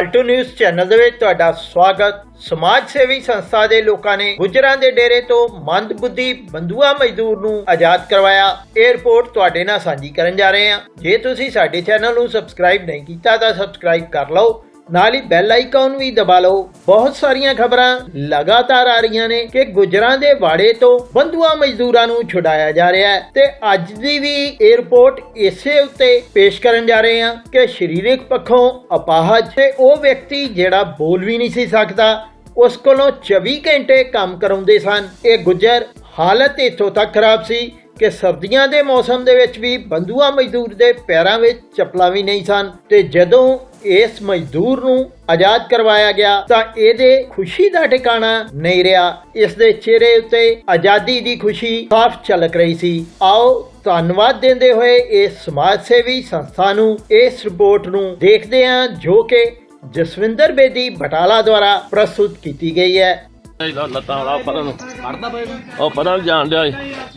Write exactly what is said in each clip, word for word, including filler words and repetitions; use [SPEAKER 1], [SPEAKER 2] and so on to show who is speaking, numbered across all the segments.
[SPEAKER 1] ਪਾਲਟੂ news channel ਦੇ ਵਿੱਚ ਤੁਹਾਡਾ ਸਵਾਗਤ। ਸਮਾਜ ਸੇਵੀ ਸੰਸਥਾ ਦੇ ਲੋਕਾਂ ਨੇ ਗੁੱਜਰਾਂ ਦੇ ਡੇਰੇ ਤੋਂ ਮੰਦਬੁੱਧੀ ਬੰਦੂਆ ਮਜ਼ਦੂਰ ਨੂੰ ਆਜ਼ਾਦ ਕਰਵਾਇਆ। ਇਹ ਰਿਪੋਰਟ ਤੁਹਾਡੇ ਨਾਲ ਸਾਂਝੀ ਕਰਨ ਜਾ ਰਹੇ ਹਾਂ। ਜੇ ਤੁਸੀਂ ਸਾਡੇ ਚੈਨਲ ਨੂੰ ਸਬਸਕ੍ਰਾਈਬ ਨਹੀਂ ਕੀਤਾ ਤਾਂ ਸਬਸਕ੍ਰਾਈਬ ਕਰ ਲਓ, ਨਾਲ ਹੀ ਬੈਲ ਆਈਕਨ ਵੀ ਦਬਾ ਲਓ। ਬਹੁਤ ਸਾਰੀਆਂ ਖਬਰਾਂ ਲਗਾਤਾਰ ਆ ਰਹੀਆਂ ਨੇ ਕਿ ਗੁੱਜਰਾਂ ਦੇ ਵਾੜੇ ਤੋਂ ਬੰਦੂਆ ਮਜ਼ਦੂਰਾਂ ਨੂੰ ਛੁਡਾਇਆ ਜਾ ਰਿਹਾ ਹੈ ਤੇ ਅੱਜ ਦੀ ਵੀ ਇਹ ਰਿਪੋਰਟ ਇਸੇ ਉੱਤੇ ਪੇਸ਼ ਕਰਨ ਜਾ ਰਹੇ ਹਾਂ ਕਿ ਸਰੀਰਕ ਪੱਖੋਂ ਅਪਾਹਜ ਤੇ ਉਹ ਵਿਅਕਤੀ ਜਿਹੜਾ ਬੋਲ ਵੀ ਨਹੀਂ ਸੀ ਸਕਦਾ, ਉਸ ਕੋਲੋਂ ਚੌਵੀ ਘੰਟੇ ਕੰਮ ਕਰਾਉਂਦੇ ਸਨ। ਇਹ ਗੁੱਜਰ ਹਾਲਤ ਇੱਥੋਂ ਤੱਕ ਖਰਾਬ ਸੀ ਕਿ ਸਰਦੀਆਂ ਦੇ ਮੌਸਮ ਦੇ ਵਿੱਚ ਵੀ ਬੰਦੂਆ ਮਜ਼ਦੂਰ ਦੇ ਪੈਰਾਂ ਵਿੱਚ ਚੱਪਲਾਂ ਵੀ ਨਹੀਂ ਸਨ ਤੇ ਜਦੋਂ ਇਸ ਮਜ਼ਦੂਰ ਨੂੰ ਆਜ਼ਾਦ ਕਰਵਾਇਆ ਗਿਆ ਤਾਂ ਇਹਦੇ ਖੁਸ਼ੀ ਦਾ ਠਿਕਾਣਾ ਨਹੀਂ ਰਿਹਾ। ਇਸ ਦੇ ਚਿਹਰੇ ਉੱਤੇ ਆਜ਼ਾਦੀ ਦੀ ਖੁਸ਼ੀ ਸਾਫ਼ ਝਲਕ ਰਹੀ ਸੀ। ਆਓ ਧੰਨਵਾਦ ਦਿੰਦੇ ਹੋਏ ਇਸ ਸਮਾਜ ਸੇਵੀ ਸੰਸਥਾ ਨੂੰ ਇਸ ਰਿਪੋਰਟ ਨੂੰ ਦੇਖਦੇ ਹਾਂ ਜੋ ਕਿ ਜਸਵਿੰਦਰ ਬੇਦੀ ਬਟਾਲਾ ਦੁਆਰਾ ਪ੍ਰਸਤੁਤ ਕੀਤੀ ਗਈ ਹੈ।
[SPEAKER 2] ਲੱਤਾਂ ਵਾਲਾ ਪਤਾ ਨੂੰ ਕੱਢਦਾ ਪਏ ਉਹ ਪਤਾ ਨਹੀਂ ਜਾਣ ਡਿਆ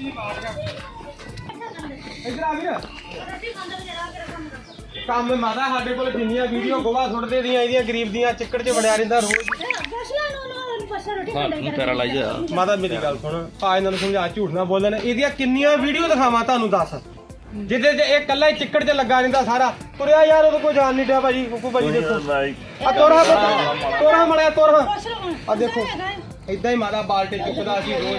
[SPEAKER 3] ਕੰਮ ਮਾਦਾ ਸਾਡੇ ਕੋਲ ਜਿੰਨੀਆਂ ਵੀਡੀਓ ਗੋਵਾ ਸੁੱਟਦੇ ਦੀਆਂ ਇਹਦੀਆਂ ਗਰੀਬ ਦੀਆਂ ਚਿੱਕੜ 'ਚ ਵੜਿਆ ਰਹਿੰਦਾ ਰੋਜ਼।
[SPEAKER 2] ਪੈਰਾ ਲਾਈ ਜਾ
[SPEAKER 3] ਮਾਦਾ ਮੇਰੀ ਗੱਲ ਸੁਣ, ਆ ਇਹਨਾਂ ਨੂੰ ਸਮਝਾ ਝੂਠ ਨਾ ਬੋਲਣ। ਇਹਦੀਆਂ ਕਿੰਨੀਆਂ ਵੀਡੀਓ ਦਿਖਾਵਾਂ ਤੁਹਾਨੂੰ ਦੱਸ, ਜਿਹਦੇ 'ਚ ਇਹ ਕੱਲਾ ਹੀ ਚਿੱਕੜ 'ਚ ਲੱਗਾ ਰਹਿੰਦਾ ਸਾਰਾ। ਤੁਰਿਆ ਯਾਰ ਉਹਦੇ ਕੋਈ ਜਾਣ ਨਹੀਂ ਡਿਆ ਭਾਜੀ। ਕੁੱਕੂ ਭਾਜੀ ਦੇਖੋ ਆ ਤੋਰਾ ਤੋਰਾ ਮੜਿਆ ਤੋਰਾ ਆ ਦੇਖੋ ਏਦਾਂ ਹੀ ਮਾਦਾ ਬਾਲਟੇ ਚੁੱਕਦਾ ਸੀ ਰੋਜ਼।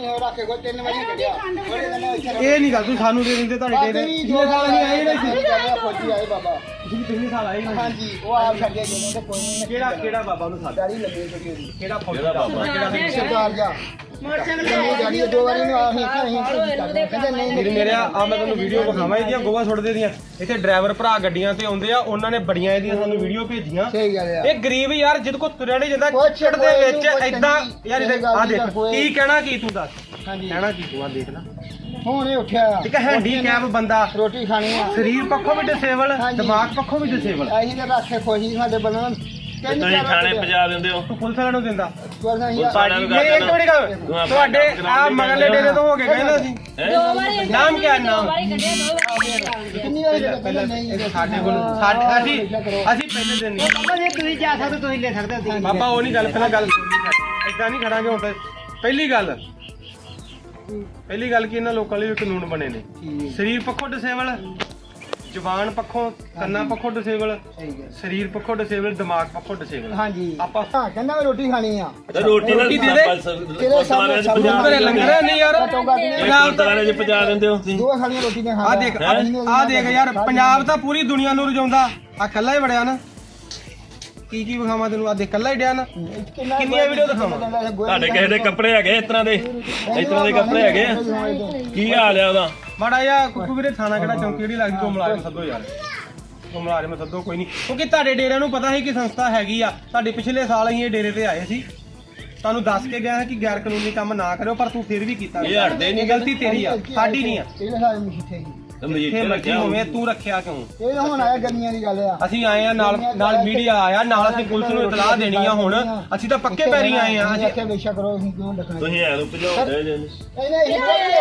[SPEAKER 3] ਇਹ ਨਹੀਂ ਗੱਲ ਤੂੰ ਸਾਨੂੰ ਦੇ ਦਿੰਦੇ ਤੁਹਾਡੇ ਡੇਰੇ ਪਿਛਲੇ ਸਾਲ ਅਸੀਂ ਆਏ ਨਹੀਂ ਫੌਜੀ ਆਏ ਬਾਬਾ ਤੁਸੀਂ ਪਿਛਲੇ ਸਾਲ ਆਏ ਨਹੀਂ। ਹਾਂਜੀ ਉਹ ਆਪ ਛੱਡ ਗਿਆ ਜਿਹਨਾਂ ਦੇ ਕੋਈ ਨਹੀਂ। ਕਿਹੜਾ ਕਿਹੜਾ ਬਾਬਾ ਉਹਨੂੰ ਸਾਡਾ ਹੀ ਲੱਗੇ ਛੋਟੀ ਕਿਹੜਾ ਫੌਜੀ ਦਾ ਬਾਬਾ ਕਿਹੜਾ ਸਰਦਾਰ ਜਾ ਮੋਟਰਸਾਈਕਲ ਦੋ ਵਾਰੀ ਨੂੰ ਆਹੀ ਕਹਿੰਦੇ ਨਹੀਂ ਮੇਰੇ ਮੇਰੇ ਆ ਮੈਂ ਤੁਹਾਨੂੰ ਵੀਡੀਓ ਵਿਖਾਵਾਂ ਇਹਦੀਆਂ ਗੋਵਾ ਸੁੱਟਦੇ ਦੀਆਂ। ਇੱਥੇ ਡਰਾਈਵਰ ਭਰਾ ਗੱਡੀਆਂ ਤੇ ਆਉਂਦੇ ਆ, ਉਹਨਾਂ ਨੇ ਬੜੀਆਂ ਇਹਦੀਆਂ ਸਾਨੂੰ ਵੀਡੀਓ ਭੇਜੀਆਂ। ਇਹ ਗਰੀਬ ਯਾਰ ਜਿਹਦੇ ਕੋਲ ਤੁਰਿਆ ਨਹੀਂ ਜਾਂਦਾ ਚਿੱਕੜ ਦੇ ਵਿੱਚ ਏਦਾਂ ਯਾਰ ਆ ਦੇਖ ਕੀ ਕਹਿਣਾ ਕੀ ਤੂੰ ਦੱਸ ਕਹਿਣਾ ਕੀ ਤੂੰ ਆ ਦੇਖ ਲੈ ਹੁਣ ਇਹ ਉੱਠਿਆ ਇੱਕ ਹੈਂਡੀਕੈਪ ਬੰਦਾ ਰੋਟੀ ਖਾਣੀ ਆ, ਸਰੀਰ ਪੱਖੋਂ ਵੀ ਡਿਸੇਬਲ ਦਿਮਾਗ ਪੱਖੋਂ ਵੀ ਡਿਸੇਬਲ। ਅਸੀਂ ਤਾਂ ਰੱਖੇ ਖੁਸ਼ੀ ਸਾਡੇ ਬੰਨਣ
[SPEAKER 2] ਤੁਸੀਂ ਥਾਣੇ ਪਜਾ ਦਿੰਦੇ ਹੋ,
[SPEAKER 3] ਤੂੰ ਪੁਲਿਸ ਵਾਲਿਆਂ ਨੂੰ ਦਿੰਦਾ।
[SPEAKER 2] ਇੱਕ
[SPEAKER 3] ਮਿੰਟ ਗੱਲ ਤੁਹਾਡੇ ਆ ਮਗਰਲੇ ਡੇਰੇ ਤੋਂ ਹੋ ਕੇ ਕਹਿੰਦਾ ਸੀ ਨਾਮ ਕੀ ਨਾਮ ਸਾਡੇ ਕੋਲ ਅਸੀਂ ਅਸੀਂ ਪਹਿਲੇ ਦਿਨ ਨਹੀਂ ਤੁਸੀਂ ਜਾ ਸਕਦੇ ਤੁਸੀਂ ਲੈ ਸਕਦੇ ਬਾਬਾ। ਉਹ ਨਹੀਂ ਗੱਲ ਪਹਿਲਾਂ ਗੱਲ ਏਦਾਂ ਨਹੀਂ ਖੜਾਂਗੇ ਹੁਣ ਤਾਂ। ਪਹਿਲੀ ਗੱਲ ਪਹਿਲੀ ਗੱਲ ਕਿ ਇਹਨਾਂ ਲੋਕਾਂ ਲਈ ਕਾਨੂੰਨ ਬਣੇ ਨੇ ਸਰੀਰ ਪੱਖੋਂ ਡਿਸੇਬਲ, ਜ਼ੁਬਾਨ ਪੱਖੋਂ ਕੰਨਾਂ ਪੱਖੋਂ ਡਿਸੇਬਲ, ਸਰੀਰ ਪੱਖੋਂ ਡਿਸੇਬਲ, ਦਿਮਾਗ ਪੱਖੋਂ ਡਿਸੇਬਲ। ਹਾਂਜੀ ਆਪਾਂ ਕਹਿੰਦਾ ਮੈਂ ਰੋਟੀ ਖਾਣੀ ਆ
[SPEAKER 2] ਰੋਟੀ ਨਾਲ
[SPEAKER 3] ਦੇ ਦੇ ਲੰਗਰ ਨਹੀਂ ਯਾਰ
[SPEAKER 2] ਗੁਰਦੁਆਰੇ 'ਚ ਪਜਾ ਦਿੰਦੇ ਹੋ ਤੁਸੀਂ।
[SPEAKER 3] ਦੋ ਸਾਲੀਆਂ ਰੋਟੀ ਨੇ ਖਾਣੀ। ਆ ਦੇਖ ਆ ਦੇਖ ਯਾਰ ਪੰਜਾਬ ਤਾਂ ਪੂਰੀ ਦੁਨੀਆ ਨੂੰ ਰਜਾਉਂਦਾ, ਆ ਕੱਲਾ ਹੀ ਵੜਿਆ ਨਾ। ਕੀ ਕੀ ਵਿਖਾਵਾਂ ਤੈਨੂੰ? ਆ ਦੇਖ ਕੱਲਾ ਹੀ ਡਿਆ ਨਾ। ਕਿੰਨੀਆਂ ਵੀਡੀਓ ਦਿਖਾਵਾਂ?
[SPEAKER 2] ਤੁਹਾਡੇ ਕਿਸੇ ਦੇ ਕੱਪੜੇ ਹੈਗੇ ਇਸ ਤਰ੍ਹਾਂ ਦੇ ਇਸ ਤਰ੍ਹਾਂ ਦੇ ਕੱਪੜੇ ਹੈਗੇ ਕੀ ਹਾਲ ਆ ਉਹਦਾ?
[SPEAKER 3] ਮਾੜਾ ਜਿਹਾ ਕੁੱਕੂ ਵੀਰੇ ਥਾਣਾ ਕਿਹੜਾ ਚੌਂਕੀ ਜਿਹੜੀ ਲੱਗਦੀ ਤੋਂ ਮੁਲਾਜ਼ਮ ਸੱਦੋ ਯਾਰ, ਉਹ ਮੁਲਾਜ਼ਮ ਸੱਦੋ ਕੋਈ ਨਹੀਂ। ਕਿਉਂਕਿ ਤੁਹਾਡੇ ਡੇਰਿਆਂ ਨੂੰ ਪਤਾ ਸੀ ਕਿ ਸੰਸਥਾ ਹੈਗੀ ਆ। ਸਾਡੇ ਪਿਛਲੇ ਸਾਲ ਅਸੀਂ ਇਹ ਡੇਰੇ ਤੇ ਆਏ ਸੀ, ਤੁਹਾਨੂੰ ਦੱਸ ਕੇ ਗਿਆ ਕਿ ਗੈਰ ਕਾਨੂੰਨੀ ਕੰਮ ਨਾ ਕਰਿਓ, ਪਰ ਤੂੰ ਫਿਰ ਵੀ ਕੀਤਾ।
[SPEAKER 2] ਇਹ ਹਟਦੇ ਨਹੀਂ,
[SPEAKER 3] ਗਲਤੀ ਤੇਰੀ ਆ ਸਾਡੀ ਨਹੀਂ ਆ। ਜਿੱਥੇ ਮਰਜ਼ੀ ਹੋਵੇ ਤੂੰ ਰੱਖਿਆ ਕਿਉਂ? ਇਹ ਹੁਣ ਆਇਆ ਗਰਮੀਆਂ ਦੀ ਗੱਲ ਆ। ਅਸੀਂ ਆਏ ਆ ਨਾਲ ਨਾਲ ਮੀਡੀਆ ਆਇਆ ਨਾਲ, ਅਸੀਂ ਪੁਲਿਸ ਨੂੰ ਇਤਲਾਹ ਦੇਣੀ ਆ। ਹੁਣ ਅਸੀਂ ਤਾਂ ਪੱਕੇ ਪੈਰੀ ਆਏ ਆ। ਅਸੀਂ ਆਖਿਆ ਬੇਸ਼ੱਕ ਕਰੋ, ਅਸੀਂ ਕਿਉਂ ਰੱਖਣਾ?
[SPEAKER 2] ਤੁਸੀਂ ਐ ਨੂੰ ਭਜਾਉਂਦੇ ਜੇ
[SPEAKER 3] ਨਹੀਂ ਨਹੀਂ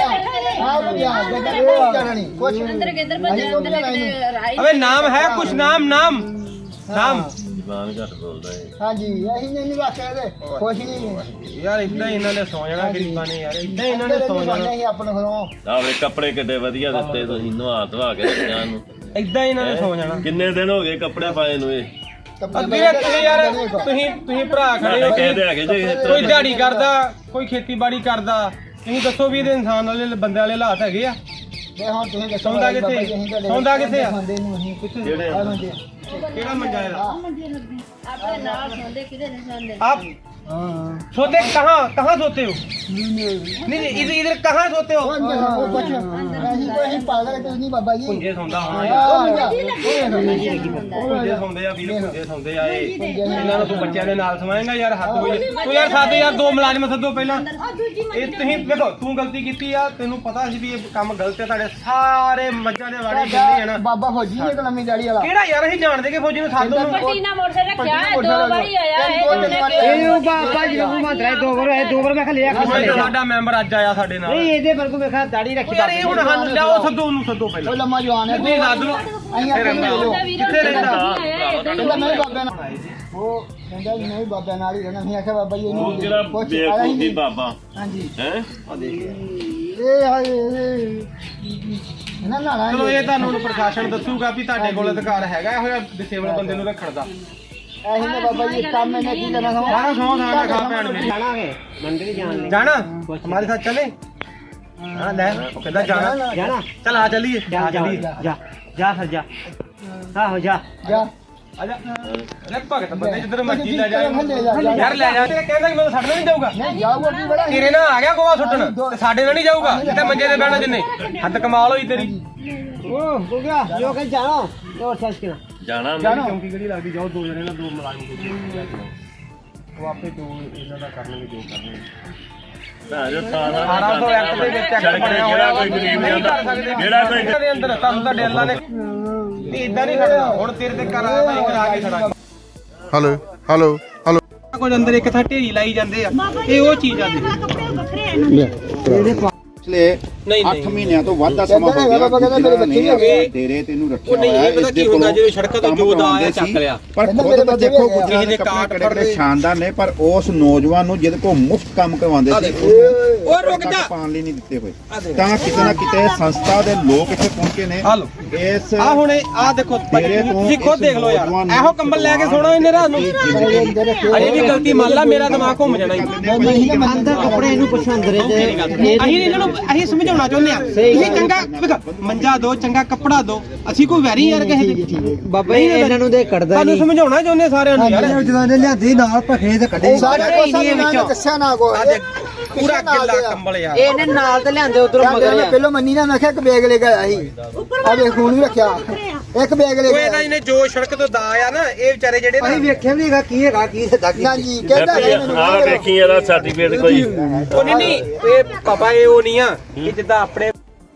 [SPEAKER 3] ਅਬੇ ਨਾਮ ਹੈ ਕੁਛ ਨਾਮ ਨਾਮ ਨਾਮ
[SPEAKER 2] ਜ਼ਬਾਨ ਘੱਟ ਬੋਲਦਾ ਏ।
[SPEAKER 3] ਹਾਂਜੀ ਅਸੀਂ ਨਹੀਂ ਰੱਖਿਆ ਇਹਦੇ ਕੁਛ ਨਹੀਂ ਯਾਰ। ਇਦਾਂ ਹੀ ਇਹਨਾਂ ਨੇ ਸੌ ਜਾਣਾ ਗਰੀਬਾਂ ਨੇ ਯਾਰ, ਇਦਾਂ ਹੀ ਇਹਨਾਂ ਨੇ ਸੌ ਜਾਣਾ। ਅਸੀਂ ਆਪਣੇ ਘਰੋਂ
[SPEAKER 2] ਆਵੇ ਕੱਪੜੇ ਕਿੱਡੇ ਵਧੀਆ ਦਿੱਤੇ ਤੁਸੀਂ, ਨਵਾ ਧਵਾ ਕੇ ਜਾਨ ਨੂੰ।
[SPEAKER 3] ਇਦਾਂ ਹੀ ਇਹਨਾਂ ਨੇ ਸੌ ਜਾਣਾ।
[SPEAKER 2] ਕਿੰਨੇ ਦਿਨ ਹੋ ਗਏ ਕੱਪੜੇ ਪਾਏ ਨੂੰ? ਇਹ
[SPEAKER 3] ਅੱਗੇ ਤੁਸੀਂ ਯਾਰ ਤੁਸੀਂ ਤੁਸੀਂ ਭਰਾ ਖੜੇ ਹੋ,
[SPEAKER 2] ਕਹਿੰਦੇ ਹੈਗੇ ਜੇ
[SPEAKER 3] ਕੋਈ ਦਿਹਾੜੀ ਕਰਦਾ ਕੋਈ ਖੇਤੀਬਾੜੀ ਕਰਦਾ, ਤੁਸੀਂ ਦੱਸੋ ਵੀ ਇਹਦੇ ਇਨਸਾਨ ਵਾਲੇ ਬੰਦੇ ਵਾਲੇ ਹਾਲਾਤ ਹੈਗੇ ਆ? ਹੁਣ ਤੁਸੀਂ ਦੱਸੋ ਸੌਂਦਾ ਕਿੱਥੇ ਸੌਂਦਾ ਕਿੱਥੇ ਆ? ਕਿਹੜਾ ਮੰਜਾ ਇਹਦਾ?
[SPEAKER 4] ਆਪਣੇ ਨਾਲ ਸੌਂਦੇ ਕਿਹਦੇ ਨੇ ਸੌਂਦੇ?
[SPEAKER 3] आप सोते कहाँ कहाँ सोते हो? नहीं नहीं इधर इधर कहाँ सोते हो? पुंजे सौंदा पुंजे सौंदे आ वीर पुंजे सौंदे आ ਇਹਨਾਂ ਨੂੰ ਤੂੰ ਬੱਚਿਆਂ ਦੇ ਨਾਲ ਸਮਾਏਂਗਾ ਯਾਰ। ਹੱਥ ਹੋਈ ਤੂੰ ਯਾਰ ਸਾਡੇ ਯਾਰ ਦੋ ਮੁਲਾਜ਼ਮ ਸੱਦੋ ਪਹਿਲਾਂ। ਇਹ ਤੁਸੀਂ ਦੇਖੋ ਤੂੰ ਗਲਤੀ ਕੀਤੀ ਆ, ਤੈਨੂੰ ਪਤਾ ਸੀ ਵੀ ਇਹ ਕੰਮ ਗਲਤ ਹੈ। ਤੁਹਾਡੇ ਸਾਰੇ ਮੱਝਾਂ ਦੇ ਵਾੜੇ ਜਿੰਨੇ ਆ ਨਾ ਬਾਬਾ ਫੌਜੀ ਨੇ ਲੰਮੀ ਦਾੜੀ ਵਾਲਾ ਕਿਹੜਾ ਯਾਰ ਅਸੀਂ ਜਾਣਦੇ ਕਿ ਫੌਜੀ ਨੂੰ ਸੱਦ ਨੂੰ
[SPEAKER 4] ਪੱਟੀ ਨਾ ਮੋਟਰਸਾਈਕਲ ਰੱਖਿਆ ਹੈ, ਦੋ ਵਾਰੀ ਆਇਆ ਹੈ।
[SPEAKER 3] ਇਹਨੂੰ
[SPEAKER 5] ਭਾਜੀ ਨੂੰ ਮੰਦਰਾ ਦੋ ਵਾਰ ਇਹ ਦੋ ਵਾਰ ਮੈਂ ਕਿਹਾ ਲਿਆ
[SPEAKER 3] ਸਾਡਾ ਮੈਂਬਰ ਅੱਜ ਆਇਆ ਸਾਡੇ ਨਾਲ
[SPEAKER 5] ਨਹੀਂ ਇਹਦੇ ਵਰਗੂ ਮੈਂ ਕਿਹਾ ਦਾੜੀ ਰੱਖੀ
[SPEAKER 3] ਯਾਰ ਇਹ ਹੁਣ ਸਾਨੂੰ ਲਿਆਓ ਸੱਦੋ ਉਹਨੂੰ ਸੱਦੋ ਪਹਿਲਾਂ
[SPEAKER 6] ਲੰਮਾ ਜਵਾਨ ਹੈ
[SPEAKER 3] ਨਹੀਂ ਸੱਦ ਲਓ ਕਿੱਥੇ ਰਹਿੰਦਾ
[SPEAKER 6] ਕਹਿੰਦਾ ਮੈਂ ਬਾਬਾ ਨਾਲ ਉਹ ਕਹਿੰਦਾ ਵੀ ਨਹੀਂ ਬਾਬਾ ਨਾਲ ਹੀ ਰਹਿਣਾ। ਅਸੀਂ ਆਖਿਆ ਬਾਬਾ ਜੀ ਇਹਨੂੰ
[SPEAKER 2] ਜਿਹੜਾ
[SPEAKER 6] ਪੁੱਛ ਆਇਆ
[SPEAKER 2] ਬੇਵਕੂਫੀ
[SPEAKER 6] ਹੀ
[SPEAKER 2] ਬਾਬਾ
[SPEAKER 6] ਹਾਂਜੀ
[SPEAKER 2] ਹੈ
[SPEAKER 6] ਇਹ ਹਾਏ ਨਾ ਨਾ ਨਾ
[SPEAKER 3] ਚਲੋ ਇਹ ਤੁਹਾਨੂੰ ਹੁਣ ਪ੍ਰਸ਼ਾਸਨ ਦੱਸੂਗਾ ਵੀ ਤੁਹਾਡੇ ਕੋਲ ਅਧਿਕਾਰ ਹੈਗਾ ਇਹੋ ਜਿਹਾ ਡਿਸੇਬਲ ਬੰਦੇ ਨੂੰ ਰੱਖਣ ਦਾ।
[SPEAKER 6] ਐਹੀ ਨੇ ਬਾਬਾ ਜੀ ਕੰਮ ਇਹਨੇ ਕੀ ਕਰਨਾ ਸਮਾਂ
[SPEAKER 3] ਸਾਰਾ ਸੌ ਸਾਰਾ ਖਾ ਭੈਣ ਮੇਰੀ
[SPEAKER 5] ਜਾਣਾ ਹੈ ਮੰਦਿਰ ਹੀ ਜਾਣ ਲਈ
[SPEAKER 3] ਜਾਣਾ ਹਮਾਰੇ ਸਾਥ ਚਲੇ ਹਾਂ ਲੈ ਉਹ ਕਹਿੰਦਾ ਜਾਣਾ
[SPEAKER 5] ਜਾਣਾ
[SPEAKER 3] ਚਲ ਆ ਚੱਲੀਏ
[SPEAKER 5] ਜਾ
[SPEAKER 3] ਆ
[SPEAKER 5] ਜਾ
[SPEAKER 3] ਚੱਲੀਏ
[SPEAKER 5] ਜਾ ਜਾ ਫਿਰ ਜਾ ਆਹੋ ਜਾ
[SPEAKER 6] ਜਾ
[SPEAKER 3] ਆ ਜਾ ਲੈ ਭਗਤ ਬੰਦੇ ਜਿੱਧਰ ਮਰਜੀ ਲੈ ਜਾ
[SPEAKER 6] ਲੈ ਜਾ
[SPEAKER 3] ਯਾਰ ਲੈ ਜਾ ਤੇ ਕਹਿੰਦਾ ਕਿ ਮੈਨੂੰ ਛੱਡਣਾ ਨਹੀਂ ਜਾਊਗਾ
[SPEAKER 6] ਨਹੀਂ ਜਾਊਗਾ ਕੀ ਬੜਾ
[SPEAKER 3] ਤੇਰੇ ਨਾਲ ਆ ਗਿਆ ਗੋਆ ਸੁੱਟਣ ਤੇ ਸਾਡੇ ਨਾਲ ਨਹੀਂ ਜਾਊਗਾ ਜਿੱਥੇ ਮੰਜੇ ਤੇ ਬਹਿਣਾ ਜਿੰਨੇ ਹੱਦ ਕਮਾਲ ਹੋਈ ਤੇਰੀ
[SPEAKER 5] ਉਹ ਹੋ ਗਿਆ ਜੋ ਕਿ ਜਾਣਾ ਜੋ ਸੱਚ ਕਿਨਾ
[SPEAKER 2] ਜਾਣਾ
[SPEAKER 6] ਜਾਣਾ
[SPEAKER 3] ਚੌਂਕੀ ਕਿਹੜੀ ਲੱਗਦੀ ਜਾਓ ਦੋ ਜਣੇ ਨਾਲ ਦੋ ਮੁਲਾਜ਼ਮ ਉਹ ਆਪੇ ਦੋ ਇਹਨਾਂ ਦਾ ਕਰਨਗੇ ਜੋ ਕਰਨਗੇ ਅਠਾਰਾਂ ਸੌ ਐਕਟ ਦੇ ਵਿੱਚ ਐਕਟ ਬਣਿਆ ਹੋਇਆ
[SPEAKER 2] ਕੋਈ ਗਰੀਬ ਨਹੀਂ
[SPEAKER 3] ਕਰ
[SPEAKER 2] ਹੁੰਦਾ
[SPEAKER 3] ਸਕਦੇ
[SPEAKER 2] ਜਿਹੜਾ ਕੋਈ
[SPEAKER 3] ਦੇ ਅੰਦਰ ਤੁਹਾਨੂੰ ਤਾਂ ਡੇਲਾ ਨੇ ਨਹੀਂ ਇਦਾਂ ਨਹੀਂ ਖੜਨਾ ਹੁਣ ਤੇਰੇ ਤੇ ਕਰਾ ਮੈਂ ਕਰਾ ਕੇ ਖੜਾ
[SPEAKER 7] ਹੈਲੋ ਹੈਲੋ ਹੈਲੋ
[SPEAKER 3] ਕੁਝ ਅੰਦਰ ਇੱਕ ਥਾਂ ਢੇਰੀ ਲਾਈ ਜਾਂਦੇ ਆ ਇਹ ਉਹ ਚੀਜ਼ ਆ
[SPEAKER 7] ਪਿਛਲੇ
[SPEAKER 3] ਨਹੀਂ
[SPEAKER 7] ਅੱਠ ਮਹੀਨਿਆਂ ਤੋਂ ਵੱਧ ਦਾ ਸਮਾਂ ਹੋ ਗਿਆ
[SPEAKER 6] ਬਾਬਾ ਕਹਿੰਦਾ ਮੇਰੇ ਬੱਚੇ ਵੀ ਹੈਗੇ
[SPEAKER 7] ਤੇਰੇ ਤੈਨੂੰ ਰੱਖਿਆ
[SPEAKER 3] ਉਹ ਨਹੀਂ ਇਹ ਪਤਾ ਕੀ ਹੁੰਦਾ ਜਿਵੇਂ ਸੜਕਾਂ ਤੋਂ ਜੋ ਦਾ ਆਇਆ ਚੱਕ ਲਿਆ
[SPEAKER 7] ਪਰ
[SPEAKER 6] ਕਹਿੰਦਾ
[SPEAKER 7] ਖੁਦ
[SPEAKER 6] ਮੇਰੇ
[SPEAKER 7] ਤਾਂ
[SPEAKER 6] ਬੱਚੇ
[SPEAKER 7] ਦੇਖੋ
[SPEAKER 6] ਵੀ ਹੈਗੇ।
[SPEAKER 7] ਗੁਜਰਾਂ ਦੇ
[SPEAKER 3] ਕਾਟ
[SPEAKER 7] ਕੱਪੜੇ
[SPEAKER 3] ਫੜਦੇ।
[SPEAKER 7] ਕਿਹੜੇ ਸ਼ਾਨਦਾਰ ਨੇ ਪਰ ਉਸ ਨੌਜਵਾਨ ਨੂੰ ਜਿਹਦੇ ਕੋਲ ਮੁਫਤ ਕੰਮ ਕਰਵਾਉਂਦੇ ਸੀ
[SPEAKER 3] ਉਹ ਰੁਕ ਜਾ
[SPEAKER 7] ਪਾਣ ਲਈ ਨਹੀਂ ਦਿੱਤੇ ਹੋਏ ਤਾਂ ਕਿਤੇ ਨਾ ਕਿਤੇ ਸੰਸਥਾ ਦੇ ਲੋਕ ਇੱਥੇ ਪਹੁੰਚੇ ਨੇ
[SPEAKER 3] ਆ ਲੋ
[SPEAKER 7] ਇਸ
[SPEAKER 3] ਆ ਹੁਣ ਆ ਦੇਖੋ
[SPEAKER 7] ਤੇਰੇ ਤੋਂ
[SPEAKER 3] ਤੁਸੀਂ ਖੁਦ
[SPEAKER 7] ਇਸ
[SPEAKER 3] ਦੇਖ ਲਓ ਯਾਰ
[SPEAKER 7] ਨੌਜਵਾਨ
[SPEAKER 3] ਇਹੋ ਕੰਬਲ ਲੈ ਕੇ ਸੋਣਾ ਇਹਨੇ ਰਾਤ ਨੂੰ ਅਜੇ ਵੀ ਗਲਤੀ ਮੰਨ ਲਾ ਮੇਰਾ ਦਿਮਾਗ ਘੁੰਮ ਜਾਣਾ
[SPEAKER 5] ਅੰਦਰ ਕੱਪੜੇ ਇਹਨੂੰ ਪੁੱਛੋ ਅੰਦਰ ਇਹਦੇ
[SPEAKER 3] ਅਸੀਂ ਇਹਨਾਂ ਨੂੰ ਅਸੀਂ ਸਮਝਾਉਣਾ ਚਾਹੁੰਦੇ ਆ ਤੁਸੀਂ ਚੰਗਾ ਵੇਖ ਮੰਜਾ ਦੋ ਚੰਗਾ ਕੱਪੜਾ ਦੋ ਅਸੀਂ ਕੋਈ ਵੈਰੀ ਯਾਰ ਕਿਸੇ ਦੇ
[SPEAKER 5] ਬਾਬਾ ਜੀ ਇਹਨਾਂ ਨੂੰ ਦੇ ਕੱਢਦਾ
[SPEAKER 3] ਤੁਹਾਨੂੰ ਸਮਝਾਉਣਾ ਚਾਹੁੰਦੇ ਸਾਰਿਆਂ ਨੂੰ ਯਾਰ
[SPEAKER 5] ਜਦੋਂ ਨੇ ਲਿਆਂਦੀ ਨਾਲ ਭਖੇ ਤੇ ਕੱਢੇ
[SPEAKER 6] ਸਾਰੇ ਕੋਸਾ ਨਾ ਦੱਸਿਆ ਨਾ ਕੋ
[SPEAKER 3] ਪੂਰਾ ਕਿੱਲਾ ਕੰਬਲ ਯਾਰ
[SPEAKER 5] ਇਹਨੇ ਨਾਲ ਤੇ ਲਿਆਂਦੇ ਉਧਰੋਂ ਮਗਰ
[SPEAKER 6] ਮੈਂ ਪਹਿਲਾਂ ਮੰਨੀ ਨਾ ਮੈਂ ਕਿਹਾ ਇੱਕ ਬੈਗ ਲੈ ਕੇ ਆਇਆ ਸੀ ਆ ਵੇਖ ਖੂਨ ਵੀ ਰੱਖਿਆ ਇੱਕ ਬੈਗ ਲੈ
[SPEAKER 3] ਉਹ
[SPEAKER 6] ਕੇ
[SPEAKER 3] ਇਹਦਾ ਇਹਨੇ ਜੋ ਸੜਕ ਤੋਂ ਦਾ ਆ ਨਾ ਇਹ ਵਿਚਾਰੇ ਜਿਹੜੇ
[SPEAKER 5] ਅਸੀਂ
[SPEAKER 3] ਨਾ
[SPEAKER 5] ਵੇਖਿਆ ਵੀ ਹੈਗਾ ਕੀ ਹੈਗਾ ਕੀ ਸਿੱਧਾ ਕੀ
[SPEAKER 6] ਨਾ ਜੀ ਕਹਿੰਦਾ ਹੈ ਮੈਨੂੰ
[SPEAKER 2] ਆ ਵੇਖੀ ਇਹਦਾ ਸਰਟੀਫਿਕੇਟ ਕੋਈ
[SPEAKER 3] ਉਹ ਨਹੀਂ ਨਹੀਂ ਇਹ ਪਾਪਾ ਇਹ ਉਹ ਨਹੀਂ ਆ ਕਿ ਜਿੱਦਾਂ ਆਪਣੇ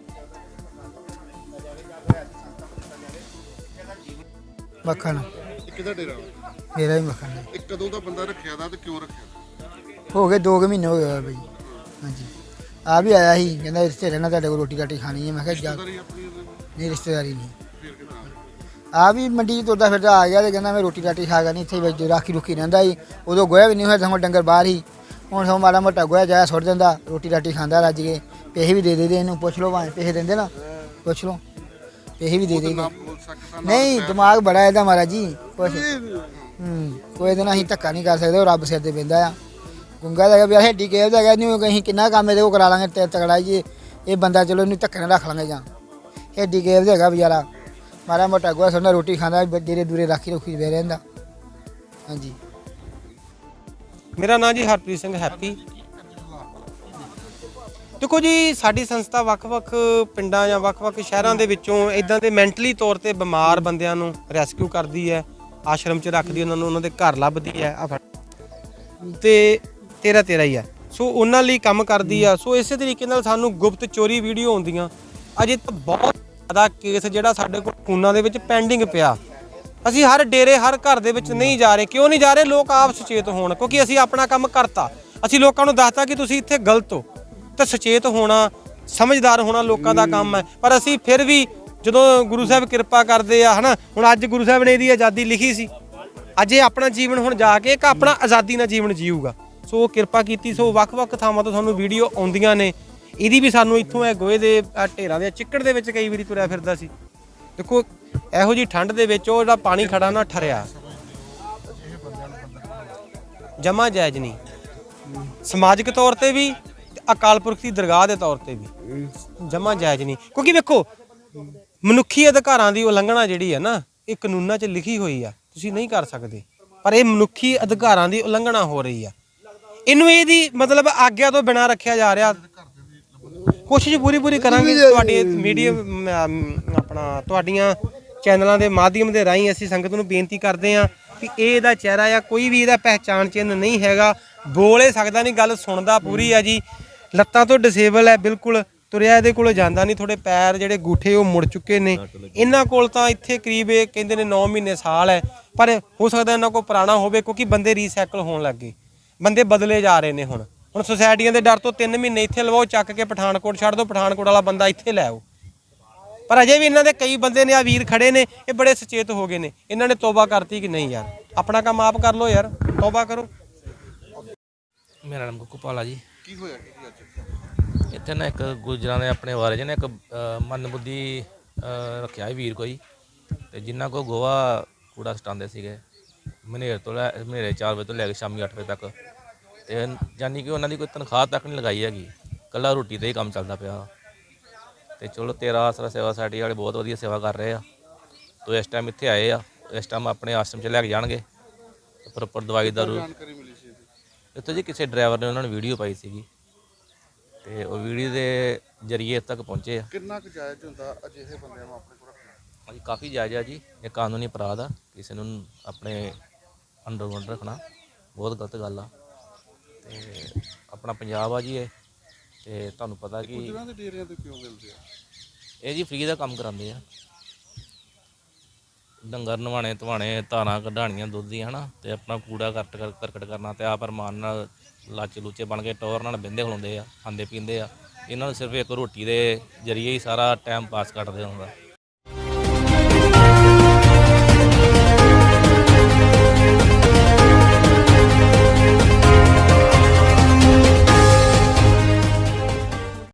[SPEAKER 6] ਮੱਖਣ
[SPEAKER 7] ਕਿਹਦਾ ਡੇਰਾ
[SPEAKER 6] ਮੇਰਾ ਹੀ ਮੱਖਣ ਹੈ।
[SPEAKER 7] ਇੱਕ ਕਦੋਂ ਦਾ ਬੰਦਾ ਰੱਖਿਆ ਦਾ ਤੇ ਕਿਉਂ ਰੱਖਿਆ
[SPEAKER 6] ਹੋ ਗਏ ਦੋ ਕੁ ਮਹੀਨੇ ਹੋ ਗਏ ਬਈ ਹਾਂਜੀ ਆ ਵੀ ਆਇਆ ਸੀ ਕਹਿੰਦਾ ਰਿਸ਼ਤੇ ਰਹਿਣਾ ਤੁਹਾਡੇ ਕੋਲ ਰੋਟੀ ਰਾਟੀ ਖਾਣੀ ਹੈ ਮੈਂ ਕਿਹਾ ਜਾ ਨਹੀਂ ਰਿਸ਼ਤੇਦਾਰੀ ਨਹੀਂ ਆ ਵੀ ਮੰਡੀ 'ਚ ਤੁਰਦਾ ਫਿਰਦਾ ਆ ਗਿਆ ਤੇ ਕਹਿੰਦਾ ਮੈਂ ਰੋਟੀ ਰਾਟੀ ਖਾ ਨਹੀਂ ਇੱਥੇ ਵਿੱਚ ਰਾਖੀ ਰੁਕੀ ਰਹਿੰਦਾ ਸੀ ਉਦੋਂ ਗੋਇਆ ਵੀ ਨਹੀਂ ਹੋਇਆ ਸਗੋਂ ਡੰਗਰ ਬਾਹਰ ਹੀ ਹੁਣ ਸਗੋਂ ਮਾੜਾ ਮੋਟਾ ਗੋਇਆ ਜਾਇਆ ਸੁੱਟ ਦਿੰਦਾ ਰੋਟੀ ਰਾਟੀ ਖਾਂਦਾ ਰੱਜ ਕੇ ਪੈਸੇ ਵੀ ਦੇ ਦੇ ਦੇ ਇਹਨੂੰ ਪੁੱਛ ਲਓ ਭਾਵੇਂ ਪੈਸੇ ਦਿੰਦੇ ਨਾ ਪੁੱਛ ਲਓ ਪੈਸੇ ਵੀ ਦੇ ਦੇ ਨਹੀਂ ਦਿਮਾਗ ਬੜਾ ਇਹਦਾ ਮਹਾਰਾਜ ਜੀ ਕੁਛ ਹੂੰ ਕੋਈ ਦਿਨ ਅਸੀਂ ਧੱਕਾ ਨਹੀਂ ਕਰ ਸਕਦੇ ਉਹ ਰੱਬ ਸਿਰ ਤੇ ਪੈਂਦਾ ਆ ਗੁੰਗਾ ਦਾ ਵੀ ਹੱਡੀ ਕੇਵ ਦਾ ਹੈਗਾ ਨਹੀਂ ਅਸੀਂ ਕਿੰਨਾ ਕੰਮ ਇਹਦੇ ਕੋਲ ਕਰਾ ਲਾਂਗੇ ਤੇ ਤਕੜਾ ਜੀ ਇਹ ਬੰਦਾ ਚਲੋ ਇਹਨੂੰ ਧੱਕੇ ਨਾਲ ਰੱਖ ਲਾਂਗੇ ਜਾਂ ਹੱਡੀ ਕੇਵ ਦਾ ਹੈਗਾ ਵਿਚਾਰਾ ਮਾੜਾ ਮੋਟਾ ਗੋਆ ਸੋਨਾ ਰੋਟੀ ਖਾਂਦਾ ਡੇਰੇ ਦੂਰੇ ਰਾਖੀ ਰੁਖੀ ਬਹਿ ਰਹਿੰਦਾ ਹਾਂਜੀ
[SPEAKER 3] ਮੇਰਾ ਨਾਮ ਜੀ ਹਰਪ੍ਰੀਤ ਸਿੰਘ ਹੈਪੀ ਦੇਖੋ ਜੀ ਸਾਡੀ ਸੰਸਥਾ ਵੱਖ-ਵੱਖ ਪਿੰਡਾਂ ਜਾਂ ਵੱਖ-ਵੱਖ ਸ਼ਹਿਰਾਂ ਦੇ ਵਿੱਚੋਂ ਇਦਾਂ ਦੇ ਮੈਂਟਲੀ ਤੌਰ ਤੇ ਬਿਮਾਰ ਬੰਦਿਆਂ ਨੂੰ ਰੈਸਕਿਊ ਕਰਦੀ ਹੈ ਆਸ਼ਰਮ 'ਚ ਰੱਖਦੀ ਉਹਨਾਂ ਨੂੰ ਉਹਨਾਂ ਦੇ ਘਰ ਲੱਭਦੀ ਹੈ ਆ ਤੇ ਤੇਰਾ ਤੇਰਾ ਹੀ ਆ ਸੋ ਉਹਨਾਂ ਲਈ ਕੰਮ ਕਰਦੀ ਆ ਸੋ ਇਸੇ ਤਰੀਕੇ ਨਾਲ ਸਾਨੂੰ ਗੁਪਤ ਚੋਰੀ ਵੀਡੀਓ ਆਉਂਦੀਆਂ ਅਜੇ ਤਾਂ ਬਹੁਤ ਜ਼ਿਆਦਾ ਕੇਸ ਜਿਹੜਾ ਸਾਡੇ ਕੋਲ ਫੋਨਾਂ ਦੇ ਵਿੱਚ ਪੈਂਡਿੰਗ ਪਿਆ ਅਸੀਂ ਹਰ ਡੇਰੇ ਹਰ ਘਰ ਦੇ ਵਿੱਚ ਨਹੀਂ ਜਾ ਰਹੇ ਕਿਉਂ ਨਹੀਂ ਜਾ ਰਹੇ ਲੋਕ ਆਪ ਸੁਚੇਤ ਹੋਣ ਕਿਉਂਕਿ ਅਸੀਂ ਆਪਣਾ ਕੰਮ ਕਰਤਾ ਅਸੀਂ ਲੋਕਾਂ ਨੂੰ ਦੱਸਤਾ ਕਿ ਤੁਸੀਂ ਇੱਥੇ ਗਲਤ ਹੋ ਤਾਂ ਸੁਚੇਤ ਹੋਣਾ ਸਮਝਦਾਰ ਹੋਣਾ ਲੋਕਾਂ ਦਾ ਕੰਮ ਹੈ ਪਰ ਅਸੀਂ ਫਿਰ ਵੀ ਜਦੋਂ ਗੁਰੂ ਸਾਹਿਬ ਕਿਰਪਾ ਕਰਦੇ ਆ ਹਨਾ ਹੁਣ ਅੱਜ ਗੁਰੂ ਸਾਹਿਬ ਨੇ ਇਹਦੀ ਆਜ਼ਾਦੀ ਲਿਖੀ ਸੀ ਅੱਜ ਇਹ ਆਪਣਾ ਜੀਵਨ ਹੁਣ ਜਾ ਕੇ ਇੱਕ ਆਪਣਾ ਆਜ਼ਾਦੀ ਨਾਲ ਜੀਵਨ ਜੀਊਗਾ ਸੋ ਕਿਰਪਾ ਕੀਤੀ ਸੋ ਵੱਖ-ਵੱਖ ਥਾਵਾਂ ਤੋਂ ਤੁਹਾਨੂੰ ਵੀਡੀਓ ਆਉਂਦੀਆਂ ਨੇ ਇਹਦੀ ਵੀ ਸਾਨੂੰ ਇੱਥੋਂ ਇਹ ਗੋਹੇ ਦੇ ਢੇਰਾਂ ਦੇ ਚਿੱਕੜ ਦੇ ਵਿੱਚ ਕਈ ਵਾਰੀ ਤੁਰਿਆ ਫਿਰਦਾ ਸੀ ਦੇਖੋ ਇਹੋ ਜੀ ਠੰਡ ਦੇ ਵਿੱਚ ਉਹ ਜਿਹੜਾ ਪਾਣੀ ਖੜਾ ਨਾ ਠਰਿਆ ਜਮਾ ਜਾਇਜ਼ ਨਹੀਂ ਸਮਾਜਿਕ ਤੌਰ ਤੇ ਵੀ ਅਕਾਲ ਪੁਰਖ ਦੀ ਦਰਗਾਹ ਦੇ ਤੌਰ ਤੇ ਵੀ ਜਮਾ ਜਾਇਜ਼ ਨਹੀਂ ਕਿਉਂਕਿ ਵੇਖੋ ਮਨੁੱਖੀ ਅਧਿਕਾਰਾਂ ਦੀ ਉਲੰਘਣਾ ਜਿਹੜੀ ਹੈ ਨਾ ਇਹ ਕਾਨੂੰਨਾਂ 'ਚ ਲਿਖੀ ਹੋਈ ਆ ਤੁਸੀਂ ਨਹੀਂ ਕਰ ਸਕਦੇ ਪਰ ਇਹ ਮਨੁੱਖੀ ਅਧਿਕਾਰਾਂ ਦੀ ਉਲੰਘਣਾ ਹੋ ਰਹੀ ਆ ਇਹਨੂੰ ਇਹਦੀ ਮਤਲਬ ਆਗਿਆ ਤੋਂ ਬਿਨਾਂ ਰੱਖਿਆ ਜਾ ਰਿਹਾ ਕੋਸ਼ਿਸ਼ ਪੂਰੀ ਪੂਰੀ ਕਰਾਂਗੇ ਤੁਹਾਡੀ ਮੀਡੀਆ ਆਪਣਾ ਤੁਹਾਡੀਆਂ ਚੈਨਲਾਂ ਦੇ ਮਾਧਿਅਮ ਦੇ ਰਾਹੀਂ ਅਸੀਂ ਸੰਗਤ ਨੂੰ ਬੇਨਤੀ ਕਰਦੇ ਹਾਂ ਕਿ ਇਹ ਇਹਦਾ ਚਿਹਰਾ ਆ ਕੋਈ ਵੀ ਇਹਦਾ ਪਹਿਚਾਣ ਚਿੰਨ੍ਹ ਨਹੀਂ ਹੈਗਾ ਬੋਲ ਇਹ ਸਕਦਾ ਨਹੀਂ ਗੱਲ ਸੁਣਦਾ ਪੂਰੀ ਆ ਜੀ ਲੱਤਾਂ ਤੋਂ ਡਿਸੇਬਲ ਹੈ ਬਿਲਕੁਲ ਤੁਰਿਆ ਇਹਦੇ ਕੋਲ ਜਾਂਦਾ ਨਹੀਂ ਥੋੜੇ ਪੈਰ ਜਿਹੜੇ ਗੂਠੇ ਉਹ ਮੁੜ ਚੁੱਕੇ ਨੇ ਇਹਨਾਂ ਕੋਲ ਤਾਂ ਇੱਥੇ ਕਰੀਬ ਇਹ ਕਹਿੰਦੇ ਨੇ ਨੌ ਮਹੀਨੇ ਸਾਲ ਹੈ ਪਰ ਹੋ ਸਕਦਾ ਇਹਨਾਂ ਕੋਲ ਪੁਰਾਣਾ ਹੋਵੇ ਕਿਉਂਕਿ ਬੰਦੇ ਰੀਸਾਈਕਲ ਹੋਣ ਲੱਗ ਗਏ ਬੰਦੇ ਬਦਲੇ ਜਾ ਰਹੇ ਨੇ ਹੁਣ ਹੁਣ ਸੁਸਾਇਟੀਆਂ ਦੇ ਡਰ ਤੋਂ ਤਿੰਨ ਮਹੀਨੇ ਇੱਥੇ ਲਵਾਓ, ਚੱਕ ਕੇ ਪਠਾਨਕੋਟ ਛੱਡ ਦਿਓ, ਪਠਾਨਕੋਟ ਵਾਲਾ ਬੰਦਾ ਇੱਥੇ ਲੈ ਆਓ। ਪਰ ਅਜੇ ਵੀ ਇਹਨਾਂ ਦੇ ਕਈ ਬੰਦੇ ਨੇ, ਆ ਵੀਰ ਖੜੇ ਨੇ, ਇਹ ਬੜੇ ਸੁਚੇਤ ਹੋ ਗਏ ਨੇ, ਇਹਨਾਂ ਨੇ ਤੋਬਾ ਕਰਤੀ ਕਿ ਨਹੀਂ ਯਾਰ ਆਪਣਾ ਕੰਮ ਆਪ ਕਰ ਲਓ ਯਾਰ, ਤੋਬਾ ਕਰੋ।
[SPEAKER 8] ਮੇਰਾ ਨਾਮ ਗੁੱਕੂਪਾਲ ਆ ਜੀ। ਕੀ ਹੋਇਆ ਕੀ ਅੱਜ ਇੱਥੇ ਨਾ ਇੱਕ ਗੁਜਰਾਂ ਦੇ ਆਪਣੇ ਵਾਰੇ ਜਿਹਨੇ ਇੱਕ ਮੰਦਬੁੱਧੀ ਰੱਖਿਆ ਸੀ ਵੀਰ ਕੋਈ, ਤੇ ਜਿਨ੍ਹਾਂ ਕੋ ਗੋਹਾ ਕੂੜਾ ਸਟਾਉਂਦੇ ਸੀਗੇ ਮਨੇਰ ਤੋਂ ਲੈ ਮਨੇਰੇ ਚਾਰ ਵਜੇ ਤੋਂ ਲੈ ਕੇ ਸ਼ਾਮੀ ਅੱਠ ਵਜੇ ਤੱਕ, ਤੇ ਯਾਨੀ ਕਿ ਉਹਨਾਂ ਦੀ ਕੋਈ ਤਨਖਾਹ ਤੱਕ ਨਹੀਂ ਲਗਾਈ ਹੈਗੀ, ਇਕੱਲਾ ਰੋਟੀ 'ਤੇ ਹੀ ਕੰਮ ਚੱਲਦਾ ਪਿਆ। ਤੇ ਚਲੋ ਤੇਰਾ ਆਸਰਾ ਸੇਵਾ ਸੁਸਾਇਟੀ ਵਾਲੇ ਬਹੁਤ ਵਧੀਆ ਸੇਵਾ ਕਰ ਰਹੇ ਆ। ਤੋ ਇਸ ਟਾਈਮ ਇੱਥੇ ਆਏ ਆ, ਇਸ ਟਾਈਮ ਆਪਣੇ ਆਸ਼ਰਮ 'ਚ ਲੈ ਕੇ ਜਾਣਗੇ ਪ੍ਰੋਪਰ ਦਵਾਈ ਦਾਰੂ। ਇੱਥੇ ਜੀ ਕਿਸੇ ਡਰਾਈਵਰ ਨੇ ਉਹਨਾਂ ਨੇ ਵੀਡੀਓ ਪਾਈ ਸੀਗੀ, ਤੇ ਉਹ ਵੀਡੀਓ ਦੇ ਜ਼ਰੀਏ ਤੱਕ ਪਹੁੰਚੇ ਆ।
[SPEAKER 7] ਕਿੰਨਾ ਕੁ ਜਾਇਜ਼ ਹੁੰਦਾ ਅਜਿਹੇ ਬੰਦਿਆਂ ਨੂੰ ਆਪਣੇ ਕੋਲ ਰੱਖਣਾ?
[SPEAKER 8] ਹਾਂਜੀ ਕਾਫੀ ਜਾਇਜ਼ ਆ ਜੀ, ਇਹ ਕਾਨੂੰਨੀ ਅਪਰਾਧ ਆ, ਕਿਸੇ ਨੂੰ ਆਪਣੇ ਅੰਡਰਗਰਾਊਂਡ ਰੱਖਣਾ ਬਹੁਤ ਗਲਤ ਗੱਲ ਆ। ਤੇ ਆਪਣਾ ਪੰਜਾਬ ਆ ਜੀ ਇਹ, ਤੇ ਤੁਹਾਨੂੰ ਪਤਾ ਕਿ
[SPEAKER 7] ਗੁਜਰਾਂ ਦੇ ਡੇਰਿਆਂ ਤੇ ਕਿਉਂ ਮਿਲਦੇ ਆ?
[SPEAKER 8] ਇਹ ਜੀ ਫ੍ਰੀ ਦਾ ਕੰਮ ਕਰਾਉਂਦੇ ਆ, ਡੰਗਰ ਨਵਾਣੇ ਧਵਾਣੇ, ਧਾਰਾਂ ਕਢਾਣੀਆਂ ਦੁੱਧ ਦੀਆਂ, ਹੈ ਨਾ, ਤੇ ਆਪਣਾ ਕੂੜਾ ਕਰਟ ਕਰਕਟ ਕਰਨਾ, ਤੇ ਆਪ ਅਰਮਾਨ ਨਾਲ ਲਾਚੇ ਲੂਚੇ ਬਣ ਕੇ ਟੌਰ ਨਾਲ ਬਹਿੰਦੇ ਖਲੋਂਦੇ ਆ, ਖਾਂਦੇ ਪੀਂਦੇ ਆ। ਇਹਨਾਂ ਨੂੰ ਸਿਰਫ ਇੱਕ ਰੋਟੀ ਦੇ ਜ਼ਰੀਏ ਹੀ ਸਾਰਾ ਟਾਈਮ ਪਾਸ ਕੱਟਦੇ ਹੁੰਦਾ।